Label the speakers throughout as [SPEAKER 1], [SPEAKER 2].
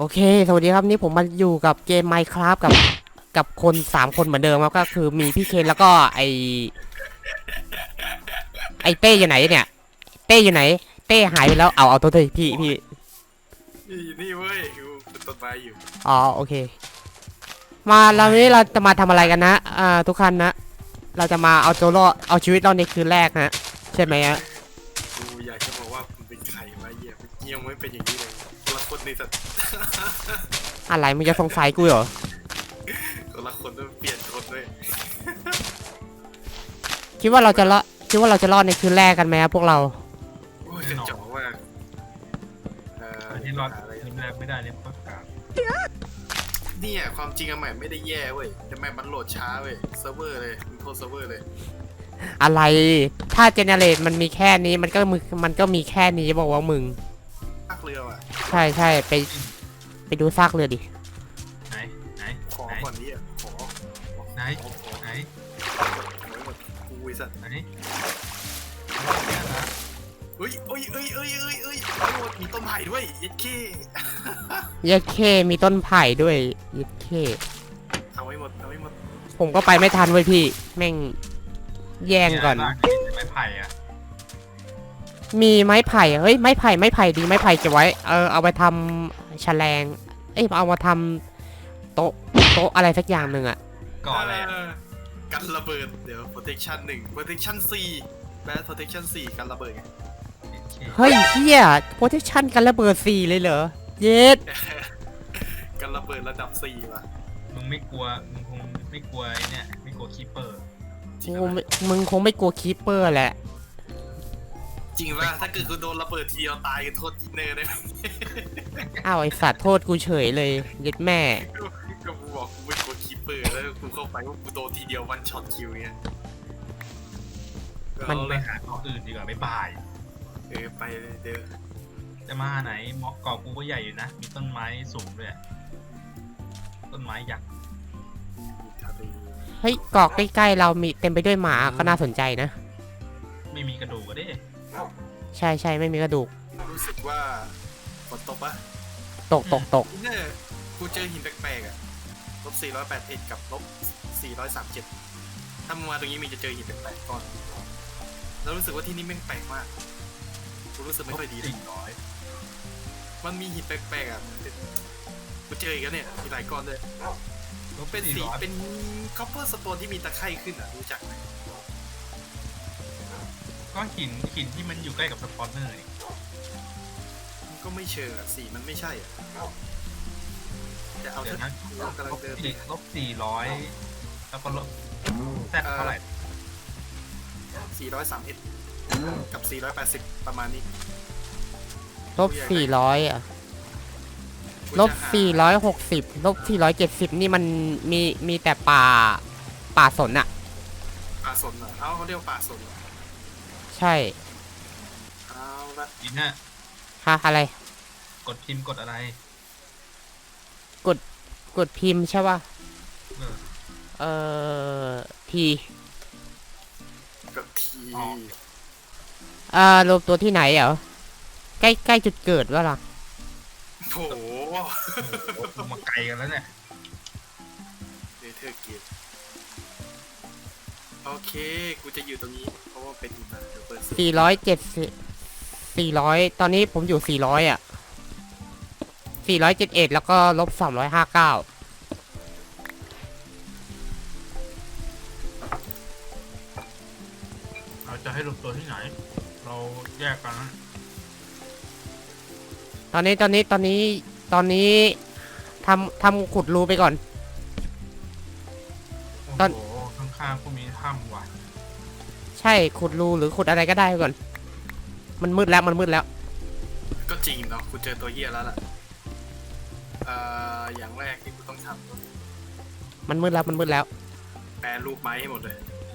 [SPEAKER 1] โอเคสวัสดีครับนี่ผมมาอยู่กับเกม Minecraft กับคน3 คนเหมือนเดิมครับก็คือมีพี่เคนแล้วก็ไอเต้อยู่ไหนเนี่ยเต้อยู่ไหนเต้หายไปแล้วเอาตัวเต้พี่
[SPEAKER 2] นี่เว้ยกูเป็นต้นไม้อยู่
[SPEAKER 1] อ๋อโอเคมาเราวันนี้เราจะมาทำอะไรกันนะทุกท่านนะเราจะมาเอาตัวรอดเอาชีวิตเราในคืนแรกนะใช่ไหมฮะ
[SPEAKER 2] กูอยากจะบอกว่ามันเป็นไข่มาเยี่ยมยังไม่เป็นอย่างนี้เลยคนละคนในสัตว์
[SPEAKER 1] อะไรมึงจะสงสัยกูเหรอ
[SPEAKER 2] คนละคนต้องเปลี่ยนคนด้วย
[SPEAKER 1] คิดว่าเราจะรอดในคืนแรกกันไหมครับพวกเรา
[SPEAKER 2] โอ้ยกระจอกมาก
[SPEAKER 3] อันนี้รอดทีมแรกไม่ได้เนี่ยประกาศ
[SPEAKER 2] เนี่ยความจริงอะแมปไม่ได้แย่เว้ยแต่แมปมันโหลดช้าเว้ยเซิร์ฟเวอร์เลยมันโทษเซิร์ฟเวอร์เลย
[SPEAKER 1] อะไรถ้าเจเนเรตมันมีแค่นี้มันก็มีแค่นี้บอกว่ามึง
[SPEAKER 2] ภาคเรือว่ะ
[SPEAKER 1] ใช่ไปดูซากเรือดิ
[SPEAKER 3] ไหนไหน
[SPEAKER 2] ขอก่อนนี้อ่ะขอ
[SPEAKER 3] ไหนไหน
[SPEAKER 2] ไว้หมดกูไอ้สัตว์
[SPEAKER 3] ไหน
[SPEAKER 2] เฮ้ยหมดมีต้นไผ่ด้วยยัดขี้
[SPEAKER 1] ยัดเข้มีต้นไผ่ด้วยยัดเข้
[SPEAKER 2] เอาไว้หมด
[SPEAKER 1] ผมก็ไปไม่ทันเว้ยพี่แม่งแย่งก่อน
[SPEAKER 3] ไม้ไผ่อะ
[SPEAKER 1] มีไม้ไผ่เฮ้ยไม้ไผ่ดีไม้ไผ่เก็บไว้เอาไปทำแฉลงเอามาทำโต๊ะอะไรสักอย่างหนึ่งอะ
[SPEAKER 3] ก่อนอะไร
[SPEAKER 2] กันระเบิดเดี๋ยว protection 1 protection 4 bad protection 4กันระเบิดไง
[SPEAKER 1] เฮ้ยเฮีย protection กันระเบิด4เลยเหรอเย็ด
[SPEAKER 2] กันระเบิดระดับ4ว่ะ
[SPEAKER 3] มึงไม่กลัวมึงคงไม่กลัวไอ้เนี่ยไม่กลัวคีเปอร์
[SPEAKER 1] มึงคงไม่กลัวคีปเปอร์แหละ
[SPEAKER 2] จริงป่ะถ้าเกิดกูโดนระเบิดทีเราตายกันโทษเนอร์ได้ไหม
[SPEAKER 1] อ้าวไอสัตว์โทษกูเฉยเลยเย็ดแม่
[SPEAKER 2] ก็กูบอกกูไม่กลัวคีเปอร์แล้วกูเข้าไปว่ากูโดนทีเดียววันช็อตคิวเงี้ย
[SPEAKER 3] มันไปหาเกาะอื่นดีกว่าไม่บาย
[SPEAKER 2] ไปเลยเดี๋ยว
[SPEAKER 3] จะมาไหนเกาะกูก็ใหญ่อยู่นะมีต้นไม้สูงด้วยต้นไม้ยักษ์
[SPEAKER 1] เฮ้ยเกาะใกล้ๆเรามีเต็มไปด้วยหมาก็น่าสนใจนะ
[SPEAKER 3] ไม่มีกระดูกก็ได้
[SPEAKER 1] ใช่ไม่มีกระดูก
[SPEAKER 2] รู้สึกว่าฝนตกปะ
[SPEAKER 1] ตก
[SPEAKER 2] เนี่ยกูเจอหินแปลกๆอ่ะ-481กับ-437ถ้ามึงมาตรงนี้มีจะเจอหินแปลกๆก่อนแล้วรู้สึกว่าที่นี่แม่งแปลกมากกูรู้สึกไม่ค่อยดีเลยมันมีหินแปลกๆอ่ะกูเจออีกแล้วเนี่ยมีหลายก้อนเลยเป็นสีเป็นคัพเปอร์สโตนที่มีตะไคร่ขึ้นอ่ะรู้จักไหม
[SPEAKER 3] ก็หินที่มันอยู่ใกล้กับสปอนเนอร์
[SPEAKER 2] มันก็ไม่เชิงอ่ะสีมันไม่ใช่อ่ะจะเอา
[SPEAKER 3] เดี๋ยวนะ
[SPEAKER 2] กำลังเดิน
[SPEAKER 3] -400แล้วก็ลบแซดเท่าไหร่
[SPEAKER 2] 431กับ480ประมาณนี้
[SPEAKER 1] -400อ่ะ-460-470นี่มันมีแต่ป่าสนอะ
[SPEAKER 2] ป่าสนเหรอเขาเรียกป่าสน
[SPEAKER 1] ใช่
[SPEAKER 2] เอาละ
[SPEAKER 3] อินฮะ
[SPEAKER 1] อะไร
[SPEAKER 3] กดพิมพ์กดอะไร
[SPEAKER 1] กดพิมพ์ใช่ป่ะที
[SPEAKER 2] กับที
[SPEAKER 1] รวมตัวที่ไหนเหรอใกล้จุดเกิดวะล่ะ
[SPEAKER 2] โห
[SPEAKER 3] มาไกลกันแล้วเนี่ย
[SPEAKER 2] เนเธอร์เกตโอเคกูจะอยู่ตรงนี้เพราะว่าเป็นหิมะเดี๋ยวเปิด
[SPEAKER 1] 400ตอนนี้ผมอยู่400อ่ะ471แล้วก็-359
[SPEAKER 3] เราจะให้ลงตัวที่ไหนเราแยกกันนะ
[SPEAKER 1] ตอนนี้ทำขุดรูไปก่อน
[SPEAKER 3] โอ้โหข้างๆก็มีถ้ำว่ะ
[SPEAKER 1] ใช่ขุดรูหรือขุดอะไรก็ได้ก่อนมันมืดแล้ว
[SPEAKER 2] ก็จริงเนาะกูเจอตัวเหี้ยแล้วล่ะอย่างแรกที่กูต้องทำ
[SPEAKER 1] มันมืดแล้ว
[SPEAKER 2] แปรรูปไม้ให้หมดเลย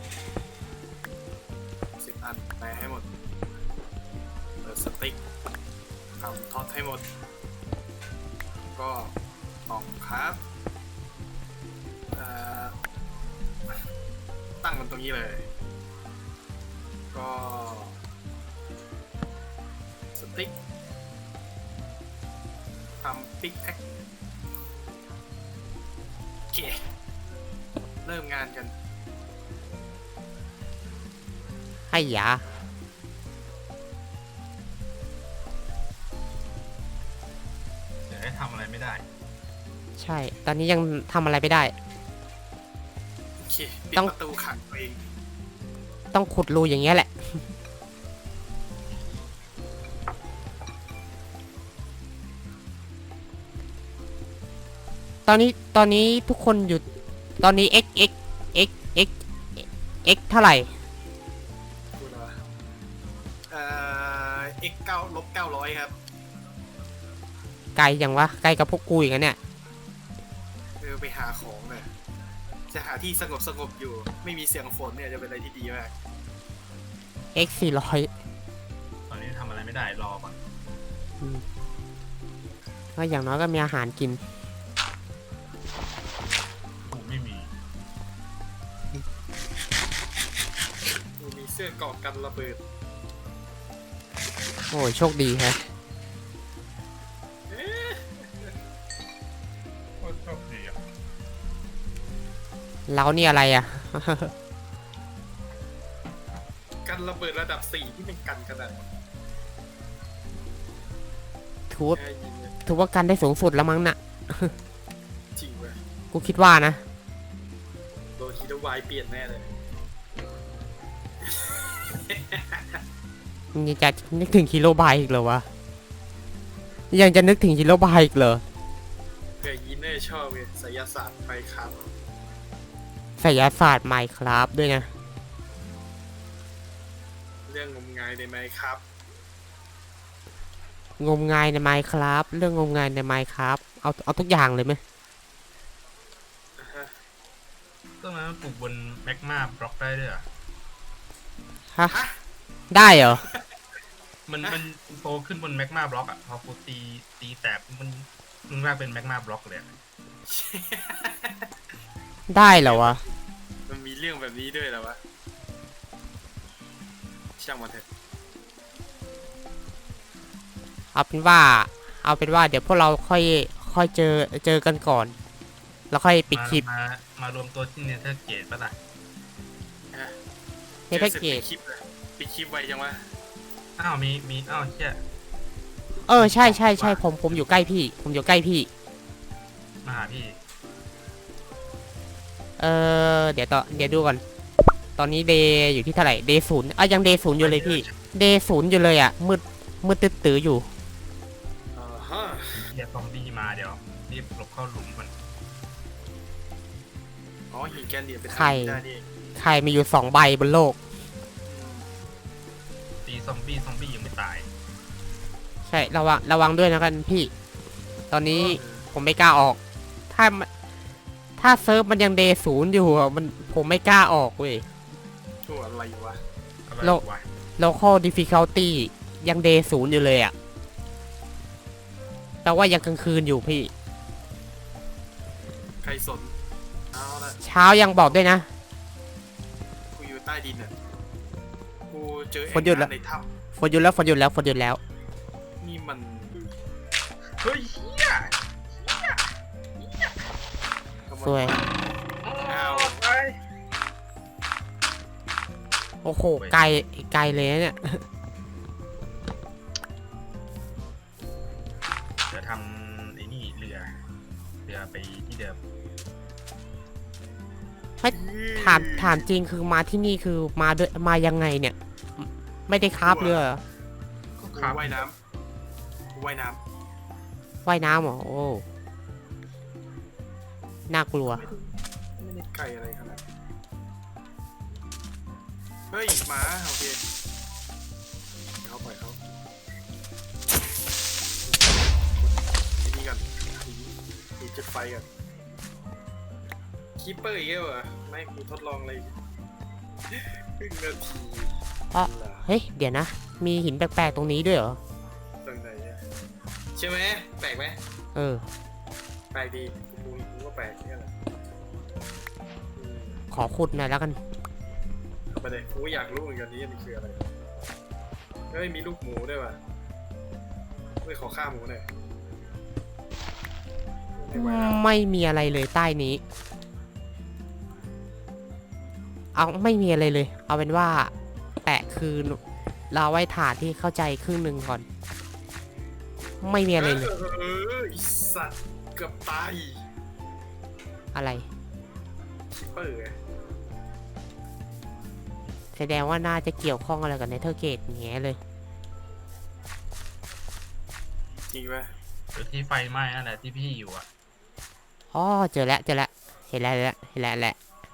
[SPEAKER 2] 10 อันแปรให้หมดเปิดสติ๊กทำท็อตให้หมดก็ตอกครับตั้งมันตรงนี้เลยก็สติ๊กททำปิกแอคโอเคเริ่มงานกัน
[SPEAKER 1] ให้ยา
[SPEAKER 3] เดี๋ยวให้ทำอะไรไม่ได้
[SPEAKER 1] ใช่ ตอนนี้ยังทำอะไรไม่ได้
[SPEAKER 2] โอเคปิด
[SPEAKER 1] ต้อง
[SPEAKER 2] ประตูขังตัวเอง
[SPEAKER 1] ต้องขุดรูอย่างเงี้ยแหละ ตอนนี้ทุกคนอยู่ตอนนี้ x เท่าไหร่
[SPEAKER 2] ดูนะวะx 9 -900ครับ
[SPEAKER 1] ไกลอย่างวะ ไกลกับพวกกูอย่างนั้นเนี่ย
[SPEAKER 2] ไปหาของเนี่ยจะหาที่สงบอยู่ไม่มีเสียงฝนเนี่ยจะเป็นอะไรที่ดีมาก
[SPEAKER 1] x 400
[SPEAKER 3] ตอนนี้ทำอะไรไม่ได้รอก่อน
[SPEAKER 1] ก็อย่างน้อยก็มีอาหารกิน
[SPEAKER 3] กูไม่มี
[SPEAKER 2] มีเสื้อเกราะกันระเบิด
[SPEAKER 1] โอ้ยโชคดีฮะ
[SPEAKER 3] โคตรโชคดีอ่ะ
[SPEAKER 1] เรานี่อะไรอ่ะ
[SPEAKER 2] กันระเบิดระดับ 4 ที่เป็นกันขนาดนี้
[SPEAKER 1] ถือว่า
[SPEAKER 2] แค่ยิงเนี่ย
[SPEAKER 1] ถือว่ากันได้สูงสุดแล้วมั้งน่ะ
[SPEAKER 2] จริงเว้ย
[SPEAKER 1] กูคิดว่านะ
[SPEAKER 2] โดนฮีโร่วายเปลี่ยนแน่เลย
[SPEAKER 1] ยังจะนึกถึงคิโลบายอีกเหรอวะ ยังจะนึกถึงคิโลบายอีกเหรอ
[SPEAKER 2] เกยยินเนอร์ชอบเลยไสยศาสตร์ไปครับ
[SPEAKER 1] ไสยศาสตร์ไมค์ครับด้วยนะ
[SPEAKER 2] เรื่องงมงายในไหมครับ
[SPEAKER 1] งมงายในไมค์ครับ เรื่องงมงายในไมค์ครับ เอาทุกอย่างเลยไหม
[SPEAKER 3] ต้นไม้มันปลูกบนแมกมาบล็อกได้ด้วยเหรอ
[SPEAKER 1] ฮะ ได้เหรอ
[SPEAKER 3] มันโตขึ้นบนแมกมาบล็อกอ่ะพอกูตีแตกมันกลายเป็นแมกมาบล็อกเลยอะ
[SPEAKER 1] ได้เหรอวะ
[SPEAKER 2] มันมีเรื่องแบบนี้ด้วยเหรอวะช่างมันเถอะ
[SPEAKER 1] เอาเป็นว่าเดี๋ยวพวกเราค่อยเจอกันก่อน แล้วค่อยปิดคลิป
[SPEAKER 3] มารวมตัวที่เนเธอร์เกตป่ะล่ะ
[SPEAKER 1] ในแพ็กเกจ
[SPEAKER 2] ปิดคลิปเลยปิดคลิปไว้จังวะ
[SPEAKER 3] อ้าวมีอ้าวเชี่ย
[SPEAKER 1] ใช่ผมอยู่ใกล้พี่ ผมอยู่ใกล้พี่
[SPEAKER 3] มาหาพี่
[SPEAKER 1] เดี๋ยวดูก่อน ตอนนี้เดย์อยู่ที่เท่าไหร่ เดย์ศูนย์ยังเดย์ศูนย์อยู่เลยพี่ เดย์ศูนย์อยู่เลยอ่ะ มืดตื้ออยู่
[SPEAKER 2] ฮะ
[SPEAKER 3] เดี๋ยวซอมบี้มาเดี๋ยวรีบหลบเข้าหลุมมัน
[SPEAKER 2] อ๋อหินแกนเหลี่ยมเป็น
[SPEAKER 1] ใคร
[SPEAKER 2] ได้นี่เอง
[SPEAKER 1] ใครมีอยู่2 ใบบนโลก
[SPEAKER 3] ตีซอมบี้ยังไม่ตาย
[SPEAKER 1] ใช่ระวังด้วยนะกันพี่ ตอนนี้ผมไม่กล้าออก ถ้าเซิร์ฟมันยังเดย์ศูนย์อยู่อะผมไม่กล้าออกเว้ย
[SPEAKER 2] ตัวอะไรวะ
[SPEAKER 3] อะไร
[SPEAKER 1] โลก
[SPEAKER 3] วะ
[SPEAKER 1] local difficulty ยังเดย์ศูนย์อยู่เลยอ่ะแปลว่ายังกลางคืนอยู่พี่
[SPEAKER 2] ใครสนเอาละ
[SPEAKER 1] เช้ายังบอกด้วยนะ
[SPEAKER 2] กูอยู่ใต้ดินอ่ะกูเจอ
[SPEAKER 1] ฝนหยุดแล้ว
[SPEAKER 2] ในถ้
[SPEAKER 1] ฝนหยุดแล้ว
[SPEAKER 2] ำนี่มัน
[SPEAKER 3] เฮ้ยเฮีย
[SPEAKER 1] สวย
[SPEAKER 2] อ้าว
[SPEAKER 3] ไป
[SPEAKER 1] โอ้โห ไกลเลยนะเนี่ย
[SPEAKER 3] เดี๋ยวทำไอ้นี่เรือไปที่เดิม
[SPEAKER 1] ถามจริงคือมาที่นี่คือมายังไงเนี่ย ไม่ได้คราบเรือเหรอ
[SPEAKER 3] ก็
[SPEAKER 2] กู
[SPEAKER 3] ครับ
[SPEAKER 2] ว่ายน้ำกูว่ายน้
[SPEAKER 1] ว่ายน้ำเหรอ โอ้น่ากลัว
[SPEAKER 2] ำไม่ได้ไกลอะไรขนาดนั้นเฮ้ยหมาโอเคเขาปล่อยเขาทีนี้กันทีจุดไฟกันคีปเปอร์อีกแล้วเหรอไม่กูทดลองเลยครึ่งนาที
[SPEAKER 1] อ่ะ
[SPEAKER 2] เหรอ
[SPEAKER 1] เฮ้ย เดี๋ยวนะ มีหินแปลกๆตรงนี้ด้วยเหรอ
[SPEAKER 2] ตรงไหนเนี่ยใช่ไหมแปลกไหม
[SPEAKER 1] เออ
[SPEAKER 2] แปลกดีกูก็แปลกเนี่ยแหละอืม
[SPEAKER 1] ขอขุดหน่อยแล้วกัน
[SPEAKER 2] เอาไปเลยกูก็อยากรู้เหมือนกันนี่มันคืออะไรเฮ้ยมีลูกหมูด้วยว่ะเฮ้ยขอฆ่าหมูหน่อยไม่ไหวแล้ว
[SPEAKER 1] ไม่มีอะไรเลยใต้นี้ เอาไม่มีอะไรเลย เอาเป็นว่าแปะคือเราไว้ฐานที่เข้าใจครึ่งหนึ่งก่อน ไม่มีอะไรเลย
[SPEAKER 2] ไอ้สัตว์เกือบตาย
[SPEAKER 1] อะไร
[SPEAKER 2] คิปเปอร์ไง
[SPEAKER 1] แสดงว่าน่าจะเกี่ยวข้องอะไรกับเนเธอร์เกตแง่เลย
[SPEAKER 2] จริงไหม
[SPEAKER 3] หรือที่ไฟไหม้นั่นแหละที่พี่อยู่อ่ะ
[SPEAKER 1] อ๋อเจอแล้วเจอแล้วเห็นแล้วเห็นแล้วแหละ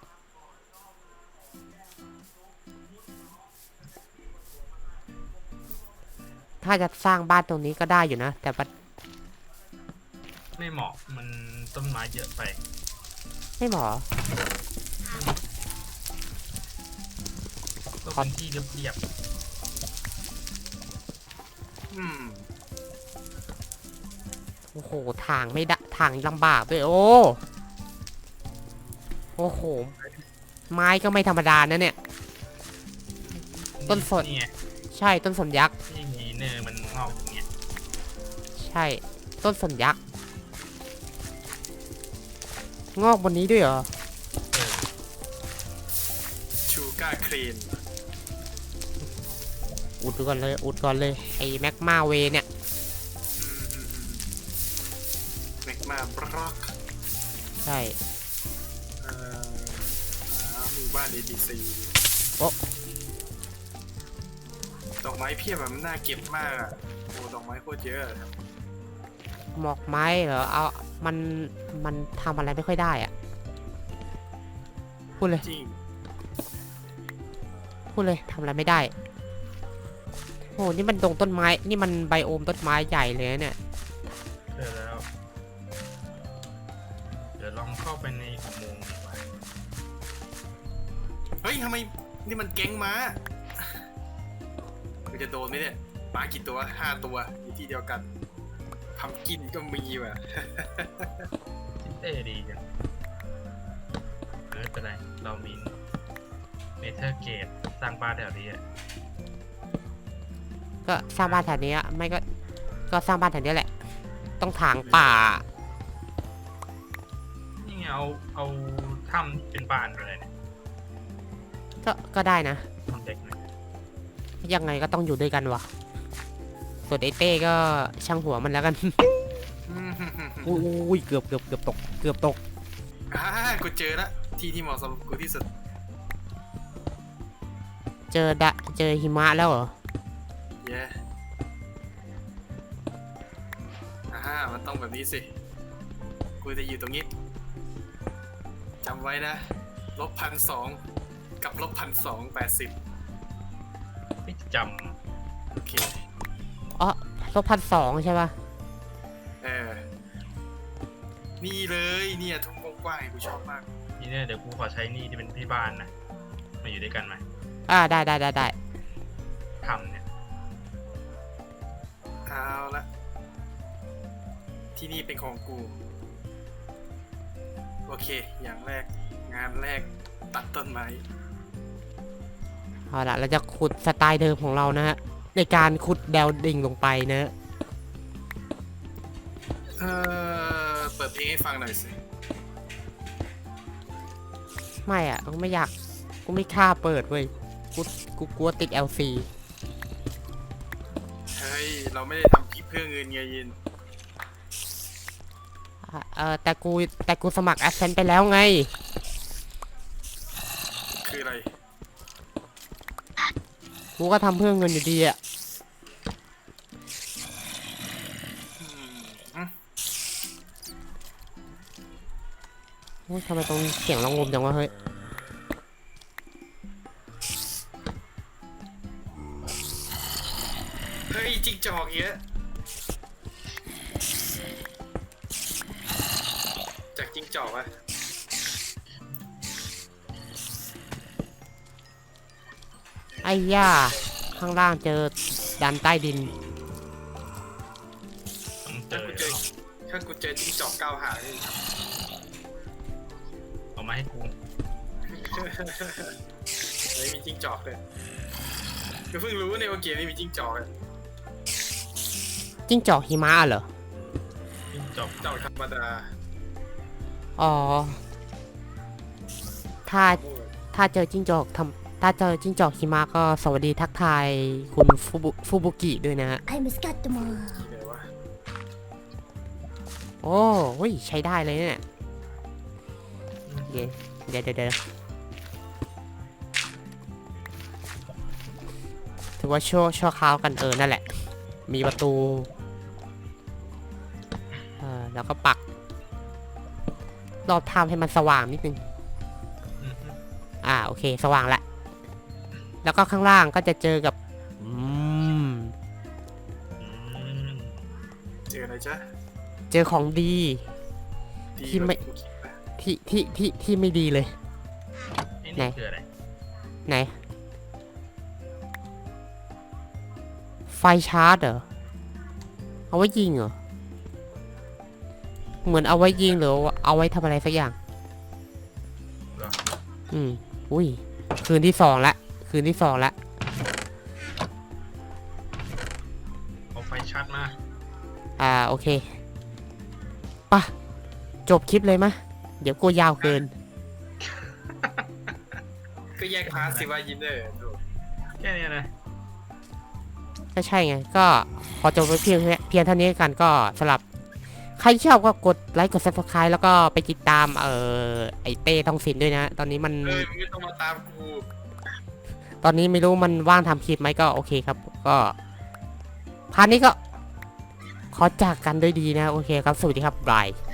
[SPEAKER 1] ถ้าจะสร้างบ้านตรงนี้ก็ได้อยู่นะ แต่ว่า
[SPEAKER 3] ไม่เหมาะมันต้นไม้เยอะไป
[SPEAKER 1] ไม่หมอ
[SPEAKER 3] ก็เป็นที่เรียบ
[SPEAKER 2] อืม
[SPEAKER 1] โอ้โหทางไม่ได้ทางลำบากด้วยโอ้โหไม้ก็ไม่ธรรมดานะเนี่ย
[SPEAKER 3] ๆ
[SPEAKER 1] ต้นสน
[SPEAKER 3] นี่ไง
[SPEAKER 1] ใช่ต้นสนยักษ์
[SPEAKER 3] ที่มีเนยมันงอกอย่างเงี้ย
[SPEAKER 1] ใช่ต้นสนยักษ์งอกบนนี้ด้วยเหรอ
[SPEAKER 3] เออ
[SPEAKER 2] ชูการ์เครน
[SPEAKER 1] อุดก่อนเลยอุดก่อนเลยไอ้แม็กมาเวเนี่ย
[SPEAKER 2] แมกมาบล็อก
[SPEAKER 1] ใช่
[SPEAKER 2] หาหมู่บ้าน ABC
[SPEAKER 1] โอ๊ะ
[SPEAKER 2] ดอกไม้เพียบแบบมันน่าเก็บมากอ่ะโอ้ดอกไม้โคตรเยอะ
[SPEAKER 1] หมอกไม้เหรอเอามันทำอะไรไม่ค่อยได้อะพูดเลย
[SPEAKER 2] จริง
[SPEAKER 1] พูดเลยทำอะไรไม่ได้โอ้นี่มันดงต้นไม้นี่มันไบโอมต้นไม้ใหญ่เลยนะเนี่ย
[SPEAKER 3] เจอแล้ว เดี๋ยวลองเข้าไปในอุโมงค์ดีกว่า
[SPEAKER 2] เฮ้ยทำไมนี่มันแก๊งม้ามันจะโดนไหมเนี่ยม้ากี่ตัว5 ตัวอยู่ที่เดียวกันพัมกินก็มีว่ะ
[SPEAKER 3] เท่ดีจังไม่เป็นไร เรามีเนเธอร์เกตสร้างบ้านแถวนี้อะ
[SPEAKER 1] ก็สร้างบ้านแถวนี้อะไม่ก็สร้างบ้านแถวนี้แหละ ต้องถางป่า
[SPEAKER 3] นี่ไงเอาถ้ำเป็นบ้านไปเลยเนี่ย
[SPEAKER 1] ก็ได้นะ
[SPEAKER 3] ทำเด็กหน่อย
[SPEAKER 1] ยังไงก็ต้องอยู่ด้วยกันวะส่วนไอเต้ก็ช่างหัวมันแล้วกัน อุ้ยเกือบตกเกือบตก
[SPEAKER 2] กูเจอละที่เหมาะสำหรับกูที่สุด
[SPEAKER 1] เจอหิมะแล้วเหรอ
[SPEAKER 2] เย้มันต้องแบบนี้สิ กูจะอยู่ตรงนี้จำไว้นะ-1,200กับ-1,280
[SPEAKER 3] ไม่จ
[SPEAKER 2] โอเค
[SPEAKER 1] อ๋อ-1,200ใช่ป่ะ
[SPEAKER 2] เออ นี่เลยเนี่ยทุ่งกว้างๆกูชอบมาก
[SPEAKER 3] ำนี่เนี่ยเดี๋ยวกูขอใช้นี่ที่เป็นที่บ้านนะ มาอยู่ด้วยกันไหม
[SPEAKER 1] ได้
[SPEAKER 3] ทำเนี่ย
[SPEAKER 2] เอาละที่นี่เป็นของกู โอเค อย่างแรกงานแรกตัดต้นไม้
[SPEAKER 1] เอาละเราจะขุดสไตล์เดิมของเรานะฮะในการขุดแดวดิ่งลงไปนะ
[SPEAKER 2] เปิดเพลงให้ฟังหน่อยสิ
[SPEAKER 1] ไม่อ่ะกูไม่อยากกูไม่กล้าเปิดเว้ยกูกลัวติด LC
[SPEAKER 2] เฮ้ย เราไม่ได้ทำคลิปเพื่อเงินไงยิน
[SPEAKER 1] แต่กูสมัคร Adsense ไปแล้วไง
[SPEAKER 2] คืออะไร
[SPEAKER 1] กูก็ทำเพื่อเงินอยู่ดีอ่ะ
[SPEAKER 2] อืม
[SPEAKER 1] โอ้ยทำไมตรงเสียงระงมจังวะเฮ้ย
[SPEAKER 2] เฮ้ยจิงจอกเยอะ จากจิงจอกอะ
[SPEAKER 1] ไอ้ย่าข้างล่างเจอดันใต้ดิน
[SPEAKER 3] ต้องเจ
[SPEAKER 2] ถ้า
[SPEAKER 3] อ
[SPEAKER 2] กูเจอจิงจอกก้าวหางนี่
[SPEAKER 3] เอามาให้กู
[SPEAKER 2] เฮ้ยมีจิงจอกเลยกูเพิ่งรู้ในว่าเกมนี้มีจิงจอกอะ
[SPEAKER 1] จิ้งจอกหิมะเหรอ
[SPEAKER 3] จิ้งจอก
[SPEAKER 2] จอกธรรมดา
[SPEAKER 1] อ๋อ ถ้า ถ้าเจอจิ้งจอกถ้าเจอจิ้งจอกหิมะก็สวัสดีทักทายคุณฟูบุกิด้วยนะฮะ
[SPEAKER 4] I'm Scatmore.
[SPEAKER 2] เดี๋ยววะ
[SPEAKER 1] โอ้เฮ้ยใช้ได้เลยเนี่ยเดี๋ยวถือว่าชั่วคราวกันนั่นแหละ มีประตูแล้วก็ปัก รอบทำให้มันสว่างนิดนึง
[SPEAKER 3] อืม
[SPEAKER 1] โอเคสว่างละ แล้วก็ข้างล่างก็จะเจอกับ
[SPEAKER 3] อืม
[SPEAKER 2] เจออะไรจ๊ะ
[SPEAKER 1] เจอของดี
[SPEAKER 2] ดี
[SPEAKER 1] ที่ไม่
[SPEAKER 2] กว่ากูคิดนะ
[SPEAKER 1] ที่ไม่ดีเลย
[SPEAKER 3] ไอ้
[SPEAKER 1] ไหน
[SPEAKER 3] นี่คืออะไร
[SPEAKER 1] ไหน ไฟชาร์จเหรอ เอาไว้ยิงเหรอ เหมือนเอาไว้ยิงหรือเอาไว้ทำอะไรสักอย่าง
[SPEAKER 3] เหรอ
[SPEAKER 1] อุ้ย คืนที่สองละ
[SPEAKER 3] เอาไฟชัดมา
[SPEAKER 1] โอเคป่ะ จบคลิปเลยมะ เดี๋ยวกลัวยาวเกิน
[SPEAKER 2] ก็แยกพาร์ทสิว่ายินเนอร์ดู
[SPEAKER 3] แค่นี้นะ
[SPEAKER 1] ก็ใช่ไง ก็พอจบไปเพียงเท่านี้กันก็สำหรับ ใครชอบก็กดไลค์กด subscribe แล้วก็ไปติดตามไอเต้ทองสินด้วยนะ ตอนนี้มัน
[SPEAKER 2] มึงไม่ต้องมาตามกู
[SPEAKER 1] ตอนนี้ไม่รู้มันว่างทำคลิปไหมก็โอเคครับ ก็พาร์ทนี้ก็ขอจากกันด้วยดีนะ โอเคครับ สวัสดีครับบาย